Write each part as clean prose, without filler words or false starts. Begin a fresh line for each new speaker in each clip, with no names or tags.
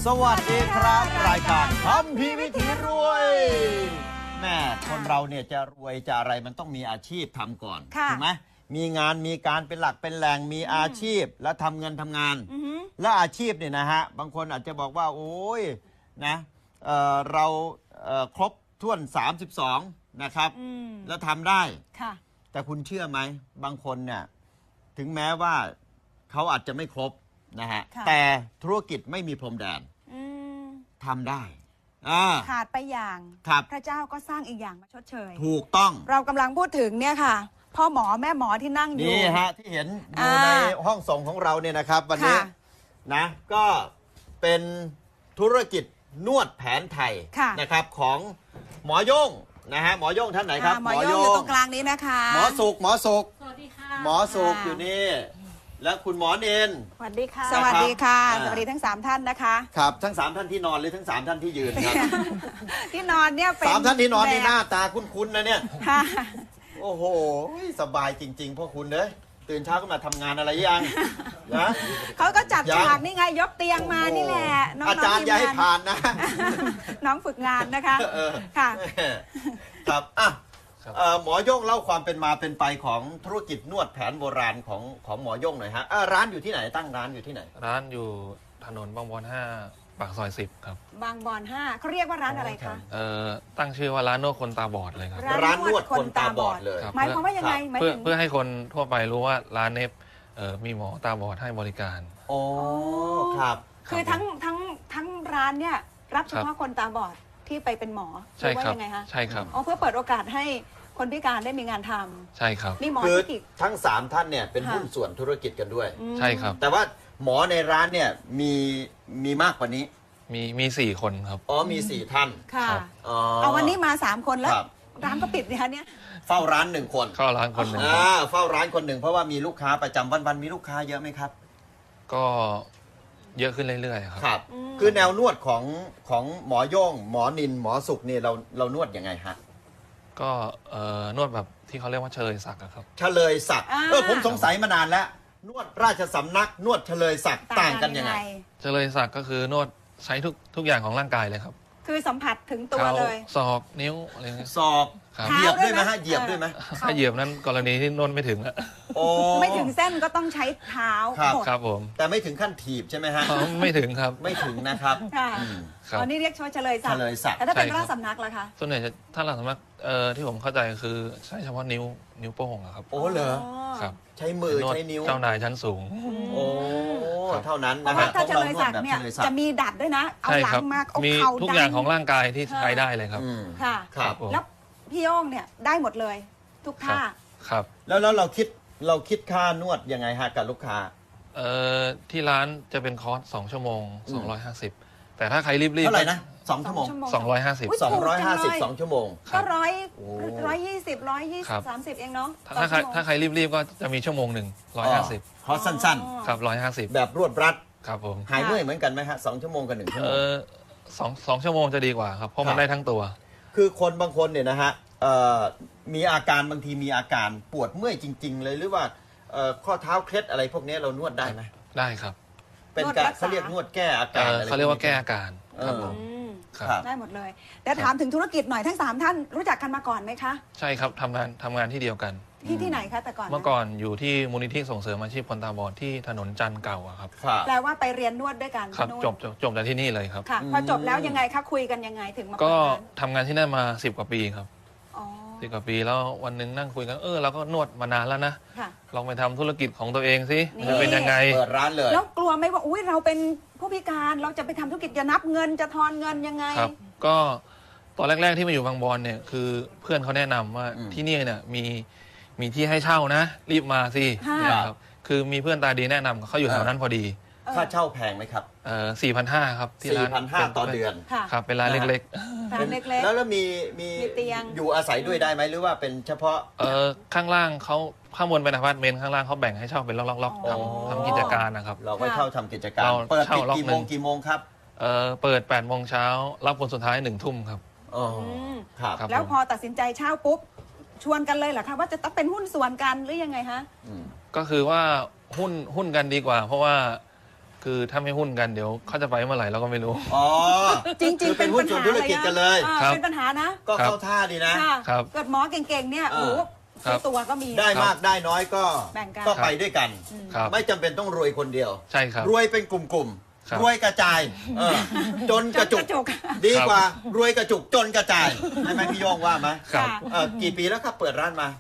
สวัสดีครับรายการคัมภีร์วิถีรวยแม่คนเราเนี่ยจะรวยจะอะไรมันต้องมีอาชีพทำก่อนถูกไหมมีงานมีการเป็นหลักเป็นแหล่งมีอาชีพแล้วทำเงินทำงานและอาชีพเนี่ยนะฮะบางคนอาจจะบอกว่าโอ้ยนะเราครบถ้วน32นะครับแล้วทำได้แต่คุณเชื่อไหมบางคนเนี่ยถึงแม้ว่าเขาอาจจะไม่ครบนะฮะแต่ธุรกิจไม่มีพรมแดนทำได้
ขาดไปอย่างพระเจ้าก็สร้างอีกอย่างมาชดเชย
ถูกต้อง
เรากำลังพูดถึงเนี่ยค่ะพ่อหมอแม่หมอที่นั่งอยู่
นี่ฮะที่เห็นอยู่ในห้องส่งของเราเนี่ยนะครับวันนี้นะก็เป็นธุรกิจนวดแผนไทยนะครับของหมอโย่งนะฮะหมอโย่งท่านไหนครับ
หมอโย่งอยู่ตรงกลางนี้นะคะ
หมอสุข
สวัสดีค่ะ
หมอสุขอยู่นี่และคุณหมอเนน
สวัสดีค่ะ
สวัสดีค่ะสวัสดีทั้ง3ท่านนะคะ
ครับทั้ง3ท่านที่นอนหรือทั้ง3ท่านที่ยืนครับ
ที่นอนเนี่ยเป็น
3ท่านที่นอนนี่หน้าตาคุ้นๆนะเนี่ยโอ้โหสบายจริงๆพวกคุณเด้ยตื่นเช้าก็มาทำงานอะไรยังนะ
เขาก็จับฉากนี่ไงยกเตียงมานี่แหละ
อาจารย์อย่าให้ผ่านนะ
น้องฝึกงานนะคะค่ะ
ครับอ่ะหมอโย่งเล่าความเป็นมาเป็นไปของธุรกิจนวดแผนโบราณของหมอโย่งหน่อยฮะร้านอยู่ที่ไหนตั้งร้านอยู่ที่ไหน
ร้านอยู่ถนนบางบอน5ปากซอย10ครับ
บางบอน5เขาเรียกว่าร้านอะไรคะ
ตั้งชื่อว่าร้านนวดคนตาบอดเลยครับ
ร้านนวดคนตาบอดเลย
หมายความว่ายังไง
เพื่อให้คนทั่วไปรู้ว่าร้านนี้มีหมอตาบอดให้บริการ
โอ้ครับ
คือทั้งร้านเนี่ยรับเฉพาะคนตาบอดที่ไปเป็นหมอ
ใช่ครับ
ยังไงคะ
ใช่ครับ
เพื่อเปิดโอกาสให้คนพิการได้มีงานท
ำใช่ครับ
นี่หมอ
ที่ทั้ง3ท่านเนี่ยเป็นหุ้นส่วนธุรกิจกันด้วย
ใช่ครับ
แต่ว่าหมอในร้านเนี่ยมีมากกว่านี้
มี4 คนครับ
มี4ท่าน
ค่ะเอาวันนี้มา3คนแล้วร้านก็ปิดเนี่ยเนี่ย
เฝ้าร้าน1คน
เข้าร้านคนหนึ่ง
เฝ้าร้านคนหนึ่งเพราะว่ามีลูกค้าประจำวันมีลูกค้าเยอะไหมครับ
ก็เยอะขึ้นเรื่อยๆ
ครับคือแนวนวดของหมอโย่งหมอนินหมอสุขนี่เรานวดยังไงฮะ
ก็นวดแบบที่เขาเรียกว่าเฉลยศักดิ์ครับ
เฉลยศักดิ์ผมสงสัยมานานแล้วนวดราชสำนักนวดเฉลยศักดิ์ต่างกันยังไง
เฉลยศักดิ์ก็คือนวดใช้ทุกอย่างของร่างกายเลยครับ
คือสัมผัสถึงตัวเลย
ศอกนิ้วอะไรเงี้ย
ศอกเหยียบด้วยไหมฮะเหยียบด้วยไหม
ถ้าเหยียบนั้นกรณีที่นวดไม่ถึงอะ
ไม่ถึงเส้นก็ต้องใช้เท้า
ครับผม
แต่ไม่ถึงขั้นถีบใช่ไหมฮะ
ไม่ถึงครับ
ไม่ถึงนะครับ
อันนี้เรียกเฉลยศักดิ์แต่ถ้าเป็นราชสำนักล่ะคะ
ส่วนใหญ่ถ้าราชสำนักที่ผมเข้าใจคือใช้เฉพาะนิ้วโป้งครับ
โอ้เหรอ
ครับ
ใช้มือใช้นิ้ว
เจ้านายชั้นสูง
โอ้เท่านั้น
นะฮะถ้าเฉลยศักดิ์เนี่ยจะมีดัดด้วยนะเอาหลังมาเอา
มีทุกอย่างของร่างกายที่ใช้ได้เลยครับ
ค่ะแล้วพี่โย่งเนี่ยได้หมดเลยทุกท่า
ครับ
แล้วเราคิดค่านวดยังไงฮะกับลูกค้า
ที่ร้านจะเป็นคอร์ส2 ชั่วโมง250แต่ถ้าใครรีบๆ
เท่าไหร่นะ2 ชั่วโมง
250
250 2 ชั่วโมง
ก็120 130เองเนาะ
ถ้าใครรีบๆก็จะมีชั่วโมงหนึ่ง150
คอร์สสั้น
ๆครับ150
แบบรวดรัด
ครับผม
หายเมื่อยเหมือนกันไหมฮะ2 ชั่วโมงกับ1 ชั่วโมง
2 ชั่วโมงจะดีกว่าครับเพราะมันได้ทั้งตัว
คือคนบางคนเนี่ยนะฮะมีอาการบางทีมีอาการปวดเมื่อยจริงๆเลยหรือว่าข้อเท้าเคล็ดอะไรพวกนี้เรานวดได้ไหม
ได้ครับ
เป็นการเขาเรียกนวดแก้อาการ
เขาเรียกว่าแก้อาการครับผม
ได้หมดเลยแต่ถามถึงธุรกิจหน่อยทั้ง3ท่านรู้จักกันมาก่อนไหมคะ
ใช่ครับทำงานที่เดียวกัน
ที่ไหนคะแต่ก่อน
เมื่อก่อนอยู่ที่มูลนิธิส่งเสริมอาชีพคนตาบอดที่ถนนจันทร์เก่าครับ
แปลว่าไปเรียนนวดด้วยกัน
ครับจบจากที่นี่เลยครับ
ค่ะพอจบแล้วยังไงคะคุยกันยังไงถึงมา
ก็ทำงานที่นั่นมา10 กว่าปีครับ10 กว่าปีแล้ววันหนึ่งนั่งคุยกันเราก็นวดมานานแล้วนะลองไปทำธุรกิจของตัวเองสิจะเป็นยังไง
เปิดร้านเลย
แล้วกลัวไหมว่าอุ้ยเราเป็นผู้พิการเราจะไปทำธุรกิจจะนับเงินจะทอนเงินยังไง
ครับก็ตอนแรกๆที่มาอยู่บางบอนเนี่ยคือเพื่อนเขาแนะนำว่าที่นี่เนี่ยมีที่ให้เช่านะรีบมาสิครับคือมีเพื่อนตาดีแนะนำเขาอยู่แถวนั้นพอดี
ค่าเช่าแพงไหมครับ
4,500ครับที่ร้าน
4,500ต่อเดือน
ครับเป็นร้านเล็ก
ๆแล้วมี
เตียง
อยู่อาศัยด้วยได้ไหมหรือว่าเป็นเฉพาะ
ข้างล่างเขาข้างบนเป็นอพาร์ตเมนต์ข้างล่างเขาแบ่งให้เช่าเป็นล็อกๆทำกิจการนะครับ
เราก็เช่าทำกิจการเปิดปิดกี่โมงครับ
เปิด8 โมงเช้ารับคนสุดท้าย1 ทุ่มครับ
ครับ
แล้วพอตัดสินใจเช่าปุ๊บชวนกันเลยเหรอคะว่าจะต้องเป็นหุ้นส่วนกันหรือยังไงฮะ
ก็คือว่าหุ้นกันดีกว่าเพราะว่าคือถ้าไม่หุ้นกันเดี๋ยวเขาจะไปเมื่อไหร่เราก็ไม่รู้
อ๋อ
จริง
คือ
ๆ
เป็
เป็น น
หุ้
ปั
น
ญ
ส่วน
หา
ธุรกิจกันเลย
ครับ
เป็นปัญหานะ
ก็เข้าท่าดีนะ
ค่ะ
ครับ
เกิดหมอเก่งๆเนี่ย
เออ
โอ้โห
ครับ
ตัวก็มี
ได้มากได้น้อยก็
แบ่งกัน
ก็ไปด้วยกัน
ครับ
ไม่จำเป็นต้องรวยคนเดียว
ใช่ครับ
รวยเป็นกลุ่ม
ครับ
ๆ รวยกระจายจนกระจุก
จนกระจุก
ดีกว่ารวยกระจุกจนกระจายใช่ไหมพี่โยงว่าไหม
ครับ
กี่ปีแล้วครับเปิดร้านมา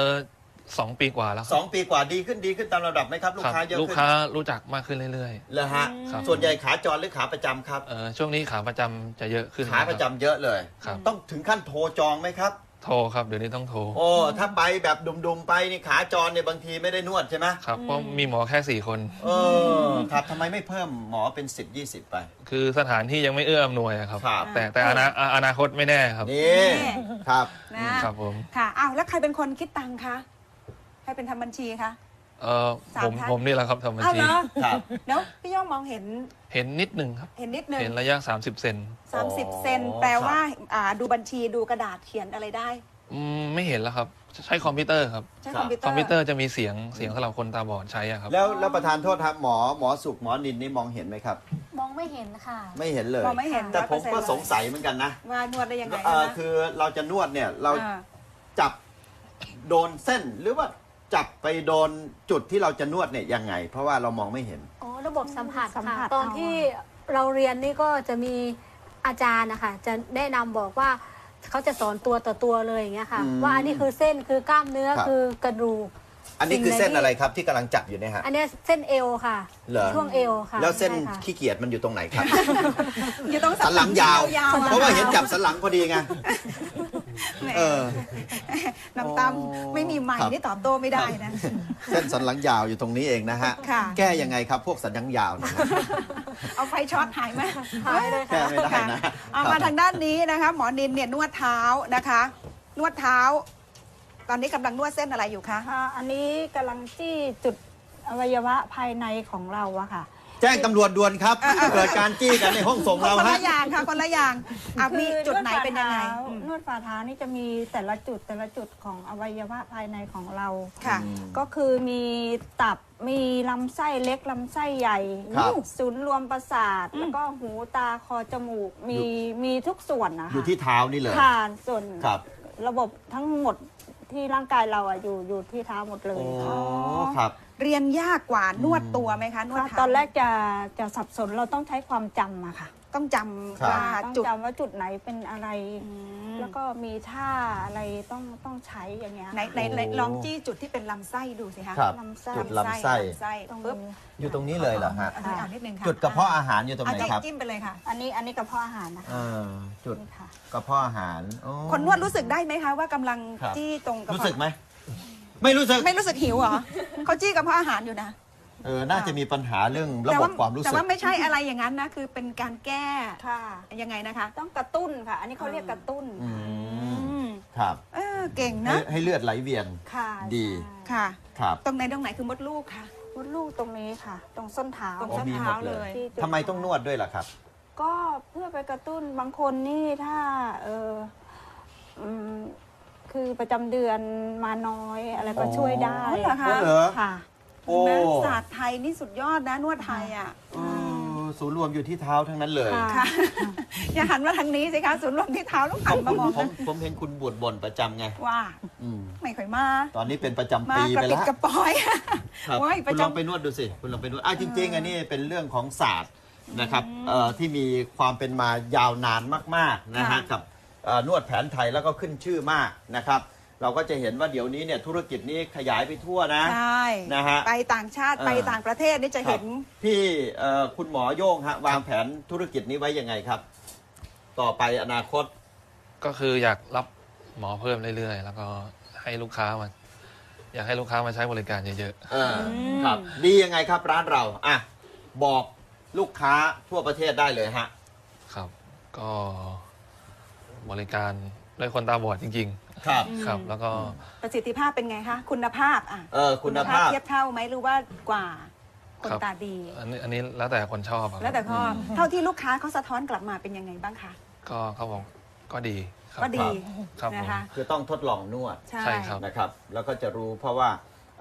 2 ปีกว่าแล้วครับ
2 ปีกว่าดีขึ้นตามระดับไหมครับ ลูกค้าเยอะ
ลูก
ขึ้น
ค้ารู้จักมากขึ้นเรื่อย
เลยฮะ
ครับ
ส่วนใหญ่ขาจรหรือขาประจำครับ
ช่วงนี้ขาประจำจะเยอะขึ้น
ขาประจำเยอะเลย
ครับ
ต้องถึงขั้นโทรจองไหมครับ
โทรครับเดี๋ยวนี้ต้องโทร
โอ้ถ้าไปแบบดุมๆไปนี่ขาจรเนี่ยบางทีไม่ได้นวดใช่ไหม
ครับเพราะมีหมอแค่ 4 คน
ครับทำไมไม่เพิ่มหมอเป็น10-20ไป
คือสถานที่ยังไม่เอื้ออำนวยอะครับ
ครับ
แต่อนาคตไม่แน่ครับ
นี่ครับ
นะครับ
ผม
ค่ะอ้าวแล้วใครเป็นคนคิดตังค์คะใครเป็นทำบัญชีคะ สามท่าน
ผมนี่แหละครับทำบัญ
อ้าว
ชี
เหรอ
ครับ
แล้วพี่ย่องมองเห็น
เห็นนิดหนึ่งครับ
เห็นนิดนึง
เห็นระยะ 30 เซน
30 เซนแปลว่าดูบัญชีดูกระดาษเขียนอะไรได้
ไม่เห็นแล้วครับ ใช้คอมพิวเตอร์ครับ
ใช้
ครั
ค
บ
อมพิวเต
ค
อ
อม
ร์
พิวเตอร์จะมีเสียงสำหรับคนตาบอดใช้อะครับ
แล้วประธานโทษครับหมอสุขหมอนินนี่มองเห็นไหมครับ
มองไม่เห็นค่ะ
ไม่เห็นเลย
มองไม่เห็น
แต่ผมก็
100%
สงสัยเหมือนกันนะ
ว่านวดได้ยังไง
คือเราจะนวดเนี่ยเรา
อ่า
จับโดนเส้นหรือว่าจับไปโดนจุดที่เราจะนวดเนี่ยยังไง เพราะว่าเรามองไม่เห็น
อ๋อ ระบบสัมผัส
สัมผั
ค่ะ
ส
ตอนที่เราเรียนนี่ก็จะมีอาจารย์นะคะจะแนะนำบอกว่าเขาจะสอนตัวต่อตัวเลยอย่างเงี้ยค่ะ
อืม
ว่าอันนี้คือเส้นคือกล้ามเนื้อ
ครับ
คือกระดูก
อันนี้คือเส้นอะไรครับที่กำลังจับอยู่เนี่ยฮะ
อันเนี้ยเส้นเอวค่ะ
เหรอ
ช่วงเอวค่ะ
แล้วเส้น
ใช่ค่ะ
ขี้เกียจมันอยู่ตรงไหนครับ
อยู่ตรง
สันหลังยาว
ๆ
เพราะว่าเห็นจับสันหลังพอดีไง
แหม
เออ
น้ำตามไม่มีใหม่
ครับ
นี่ตอบโต้ไม่ได้นะ
เส้นสันหลังยาวอยู่ตรงนี้เองนะฮะ
ค่ะ
แก้ยังไงครับพวกสันหลังยาวเนย
เอาไฟช็อตหายไหม
หายเลย
แก้
ค่ะ
ไม่ได้นะ
เอามาทางด้านนี้นะคะ หมอนินเนี่ยนวดเท้านะคะ นวดเท้า ตอนนี้กำลังนวดเส้นอะไรอยู่คะ
อันนี้กำลังจี้จุดอวัยวะภายในของเราอะค่ะ
แจ้งตำรวจด่วนครับเกิดการจี้กันในห้องส่งเรา
คน
ฮะ
ละอย่างค่ะคนละอย่างมีจุดไหนเป็นยังไง
นวดฝ่าเท้านี่จะมีแต่ละจุดของอวัยวะภายในของเรา
ค่ะ
ก็คือมีตับมีลำไส้เล็กลำไส้ใหญ่
ครับ
ศูนย์รวมประสาท แล้วก็หูตาคอจมูกมีทุกส่วนนะคะ
อยู่ที่เท้านี่เลย
ค่ะส่วน
ครับ
ระบบทั้งหมดที่ร่างกายเราอะอยู่ที่เท้าหมดเลย
โอ้
ค่ะ
ครับ
เรียนยากกว่านวดตัวไหมคะ นวดเท้า
ตอนแรกจะสับสนเราต้องใช้ความจำอะค่ะ
ต้องจ
ครับ
ำว่า
ต้อง
จุด
จำว่าจุดไหนเป็นอะไร
อืม
แล้วก็มีท่าอะไรต้องใช้อย่างเงี้ย
ไหนลองจี้จุดที่เป็นลำไส้ดูสิคะ
ครับ
ลำไส้
จุดลำไส้
ลำไส้
ตรง
ปึ๊บ
นี้
อยู่ตรงนี้เลยเหรอฮะ
อันนี้เอานิดนึงค่ะ
จุดกระเพาะอาหารอยู่ตรงไหนครับ
จิ้มไปเลยค่ะ
อันนี้กระเพาะอาหารนะคะ
จุด
นี่ค่ะ
กระเพาะอาหารโอ้
คนนวดรู้สึกได้ไหมคะว่ากำลัง
ครับ
จี้ตรงกระเพาะ
รู้สึกไหม ไม่รู้สึก
ไม่รู้สึกหิวเหรอ เขาจี้กระเพาะอาหารอยู่นะ
น่าจะมีปัญหาเรื่องระบบความรู้
แต่
สึก
ว่าไม่ใช่อะไรอย่างนั้นนะ คือเป็นการแก้
ค่ะ
ยังไงนะคะ
ต้องกระตุ้นค่ะ อันนี้เขาเรียกกระตุ้น
อื
อื
ม
ม
ครับ
เก่ง
ให้
นะ
ให้เลือดไหลเวียน
ค่ะ
ดี
ใช่
ค่ะ
ครับ
ตรงไหนคือมดลูกค่ะ
มดลูกตรงนี้ค่ะ ตรงส้นเท้า
ตรง
อ๋อ
ส้น
มีหม
เท้า
ดเลย
เลย
ที่จุด
ทำไมต้องนวดด้วยล่ะครับ
ก็เพื่อไปกระตุ้นบางคนนี่ถ้าอืมคือประจำเดือนมาน้อยอะไรก็ช่วยได้
อ๋อเหรอคะ
เหรอ
ค่ะ
โอ้
นะศาสตร์ไทยนี่สุดยอดนะนวดไทยอ่ะ
ศูนย์รวมอยู่ที่เท้าทั้งนั้นเลย
ค่ะ
ค่ะ อย่าหันมาทางนี้สิคะศูนย์รวมที่เท้าต้องหันมามอง
ผมเห็นคุณบวชบ่นประจำไง
ว่า
อืม
ไม่ค่อยมา
ตอนนี้เป็นประจำ
มา
ปี
กระ
ไป
ปิด
แล้ว
กระปอย
ครับ
โอ้ยป
คุ
ระ
ณ
จำ
ลองไปนวดดูสิคุณลองไปนวดจริงๆอันนี้เป็นเรื่องของศาสตร์นะครับที่มีความเป็นมายาวนานมากๆนะฮะ
ค่ะ
กับนวดแผนไทยแล้วก็ขึ้นชื่อมากนะครับ เราก็จะเห็นว่าเดี๋ยวนี้เนี่ยธุรกิจนี้ขยายไปทั่วนะ
ใช่
นะฮะ
ไปต่างชาติไปต่างประเทศนี่จะเห็น
ครับพี่คุณหมอโย่งฮะวางแผนธุรกิจนี้ไว้ยังไงครับ ต่อไปอนาคต
ก็คืออยากรับหมอเพิ่มเรื่อยๆ แล้วก็ให้ลูกค้ามาอยากให้ลูกค้ามาใช้บริการเยอะ
ครับดียังไงครับร้านเราอ่ะบอกลูกค้าทั่วประเทศได้เลยฮะ
ๆครับ ก็บริการด้วยคนตาบอดจริง
ครับ
ๆ ครับ แล้วก็
ประสิทธิภาพเป็นไงคะคุณภาพอ่ะ
คุณภาพ
เทียบเท่าไหมหรือว่ากว่าคน
ครับ
ตาดี
อันนี้แล้วแต่คนชอบอะครับ
แล้วแต่ข้อเท่าที่ลูกค้าเขาสะท้อนกลับมาเป็นยังไงบ้างคะ
ก็เขาบอกก็ดีครับ
ก็ดี
ครับผม
นะคะ
คือต้องทดลองนวด
ใช่
ใช่ครับ
นะครับ แล้วก็จะรู้เพราะว่า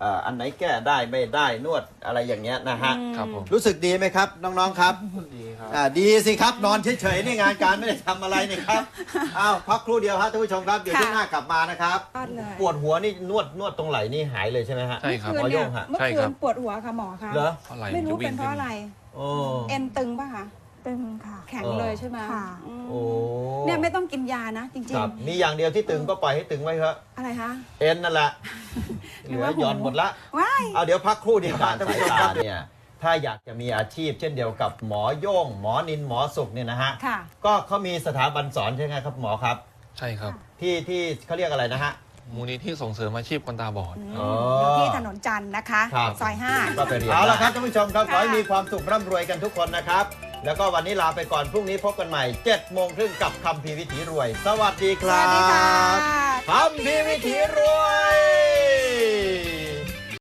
อันไหนแก้ได้ไม่ได้นวดอะไรอย่างเงี้ยนะฮะ
ครับผม
รู้สึกดีไหมครับน้องๆครับ
ดีครับ
ดีสิครับนอนเฉยๆนี่งานการไม่ได้ทำอะไรนี่ครับอ้าวพักครู่เดียวครับท่านผู้ชมครับเดี๋ยว
ค่ะ
ช่วงหน้ากลับมานะครับ
ยอดเลย
ปวดหัวนี่นวดตรงไหล่นี่หายเลยใช่ไหมฮะ
ใช่ครับ
หมอโย่งฮะ
เมื่อ
ใช่
คื
ครั
น
บ
ปวดหัวค่ะหมอคะ
เหรอ
เพราะไหล่
ไม่
มัน
รู้
จะวิ่
เป็
ง
นเพราะอะไร
โอ้
เอ็นตึงป่ะคะ
ตึงค่ะ
แข็งเลยใช่ไหม
ค่ะ
อืม
โอ้
เนี่ยไม่ต้องกินยานะจริง
ครับมีอย่างเดียวที่ตึงก็ปล่อยให้ตึงไว้เถอะ
ๆ อะไรคะ
เอ็นนั่นแหละเหลือหย่อนหมดละ
ว้าย
เอาเดี๋ยวพักครู่เดียวท่านผู้ชมครับเนี่ยถ้าอยากจะมีอาชีพเช่นเดียวกับหมอโย่งหมอนินหมอสุขเนี่ยนะฮะ
ค่ะ
ก็เขามีสถาบันสอนใช่ไหมครับหมอครับ
ใช่ครับ
ที่เขาเรียกอะไรนะฮะ
มูลนิธิส่งเสริมอาชีพคนตาบอด
อ๋อ
อยู่ที่ถนนจันทร์นะคะ
ครับ
ซอย
ก็ไปเรียนเอาละครับท่านผู้ชมครับ
ค่ะ
ขอให้มีความสุขร่ำรวยกันทุกคนนะครับ แล้วก็วันนี้ลาไปก่อนพรุ่งนี้พบกันใหม่7 โมงครึ่งกับคำพีร์วิถีรวย สวัสดีค
5 ส
รั
วัสดีค่ะ
บคำพีร์วิถีรวย